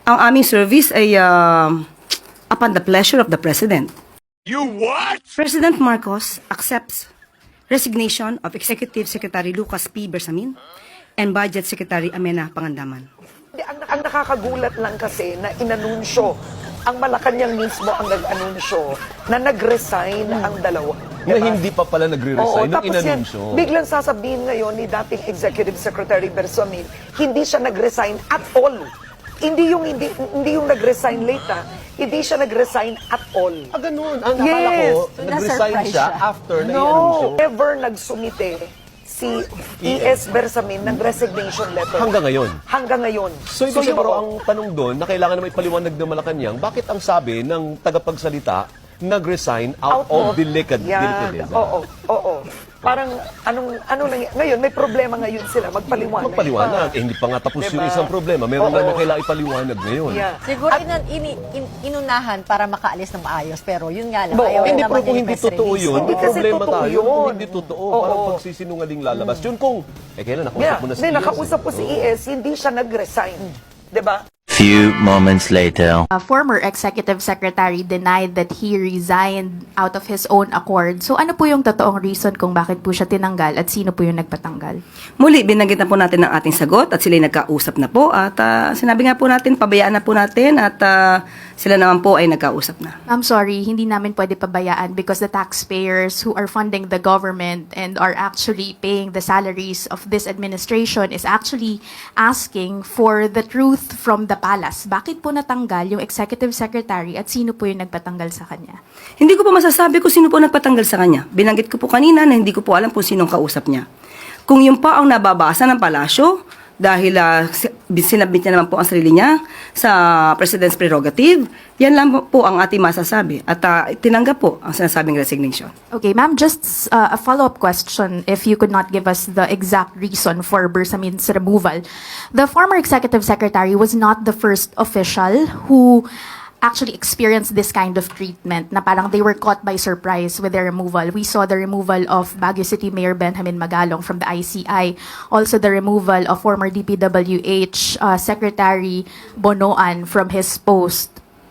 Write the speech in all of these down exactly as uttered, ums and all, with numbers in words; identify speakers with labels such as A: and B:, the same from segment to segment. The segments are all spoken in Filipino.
A: Ang aming service ay uh, upon the pleasure of the President.
B: You what?
A: President Marcos accepts resignation of Executive Secretary Lucas P. Bersamin and Budget Secretary Amena Pangandaman.
C: Ang, ang nakakagulat lang kasi na inanunsyo, ang Malacanang mismo ang nag-anunsyo na nag-resign ang dalawa.
D: Na hindi pa pala nagre-resign nung
C: tapos yan,
D: inanunsyo.
C: biglang sasabihin ngayon ni dating Executive Secretary Bersamin, hindi siya nag-resign at all. Hindi yung hindi, hindi yung nag-resign late ah. Hindi siya nag-resign at all.
D: Ah, ganun. Ang
C: Yes.
D: akala ko,
E: So,
D: nag-resign
E: na-surprise
D: siya
E: siya.
D: after na i-anunsyo.
C: No, ever nagsumite si E S Bersamin ng resignation letter.
D: Hanggang ngayon.
C: Hanggang ngayon.
D: So, ibig sabihin,
C: yun,
D: pero ang tanong doon, na kailangan na may paliwanag ng Malacanang, bakit ang sabi ng tagapagsalita, nag-resign out, of delicate,
C: Yan.
D: delicadeza?
C: Oo, oo. Parang anong ano lang ngayon may problema ngayon sila magpaliwanag.
D: Magpaliwanag.
C: Pa.
D: Eh, hindi pa nga tapos
C: Diba?
D: yung isang problema. Meron
C: Oo.
D: na na kailangan ipaliwanag ngayon.
C: Yeah.
E: Siguro inan, ini, in, inunahan para makaalis ng maayos, pero yun nga lang,
C: Oo.
E: ayaw
D: Hindi,
E: naman
D: pero kung
E: yung
D: hindi
E: press
D: totoo
E: release.
D: yun,
C: Hindi
D: may
C: kasi
D: problema
C: totoo
D: tayo.
C: yun.
D: Kung hindi totoo,
C: Oo.
D: parang pagsisinungaling lalabas. Yun kung, eh kailan nakausap
C: Yeah.
D: mo na si
C: Hindi,
D: E S,
C: nakausap
D: eh.
C: ko si E S, hindi siya nag-resign. 'Di ba?
F: Few moments later.
G: A former executive secretary denied that he resigned out of his own accord. So ano po yung totoong reason kung bakit po siya tinanggal at sino po yung nagpatanggal?
A: Muli, binanggit na po natin ang ating sagot at sila'y nagkausap na po at ah, sinabi nga po natin, pabayaan na po natin at ah, sila naman po ay nagkausap na.
G: I'm sorry, hindi namin pwede pabayaan because the taxpayers who are funding the government and are actually paying the salaries of this administration is actually asking for the truth from the palace. Bakit po natanggal yung executive secretary at sino po yung nagpatanggal sa kanya?
A: Hindi ko po masasabi kung sino po nagpatanggal sa kanya. Binanggit ko po kanina na hindi ko po alam kung sinong kausap niya. Kung yun pa ang nababasa ng palasyo, dahil uh, sinabit niya naman po ang sarili niya sa President's prerogative, yan lang po ang ating masasabi. At uh, tinanggap po ang sinasabing resignation.
G: Okay, ma'am, just uh, a follow-up question if you could not give us the exact reason for Bersamin's removal. The former executive secretary was not the first official who actually experienced this kind of treatment na parang they were caught by surprise with their removal. We saw the removal of Baguio City Mayor Benjamin Magalong from the I C I. Also the removal of former D P W H uh, Secretary Bonoan from his post.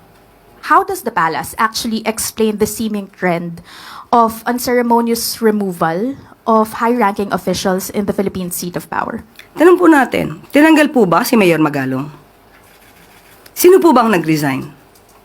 G: How does the palace actually explain the seeming trend of unceremonious removal of high-ranking officials in the Philippine seat of power?
A: Tanong po natin, tinanggal po ba si Mayor Magalong? Sino po ba ang nag-resign?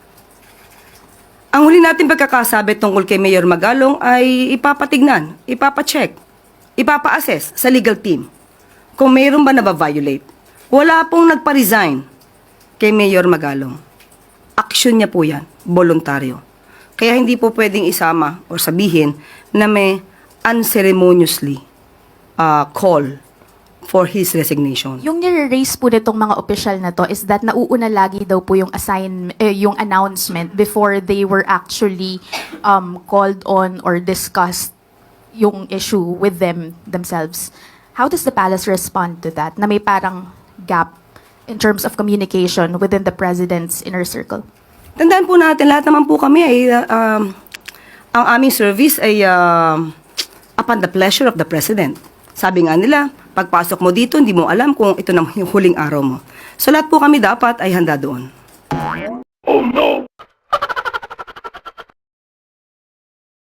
A: Ang huli natin pagkakasabi tungkol kay Mayor Magalong ay ipapatignan, ipapacheck, ipapa-assess sa legal team kung mayroon ba nababiolate. Wala pong nagpa-resign kay Mayor Magalong. Aksyon niya po yan, voluntaryo. Kaya hindi po pwedeng isama o sabihin na may unceremoniously uh, call for his resignation.
G: Yung nire-raise po nitong mga opisyal na to is that nauuna lagi daw po yung assign eh, yung announcement before they were actually um, called on or discussed yung issue with them themselves. How does the palace respond to that? Na may parang gap in terms of communication within the president's inner circle.
A: Tandaan po natin, lahat naman po kami ay, uh, um, ang aming service ay uh, upon the pleasure of the President. Sabi nga nila, pagpasok mo dito, hindi mo alam kung ito na yung huling araw mo. So lahat po kami dapat ay handa doon.
B: Oh no!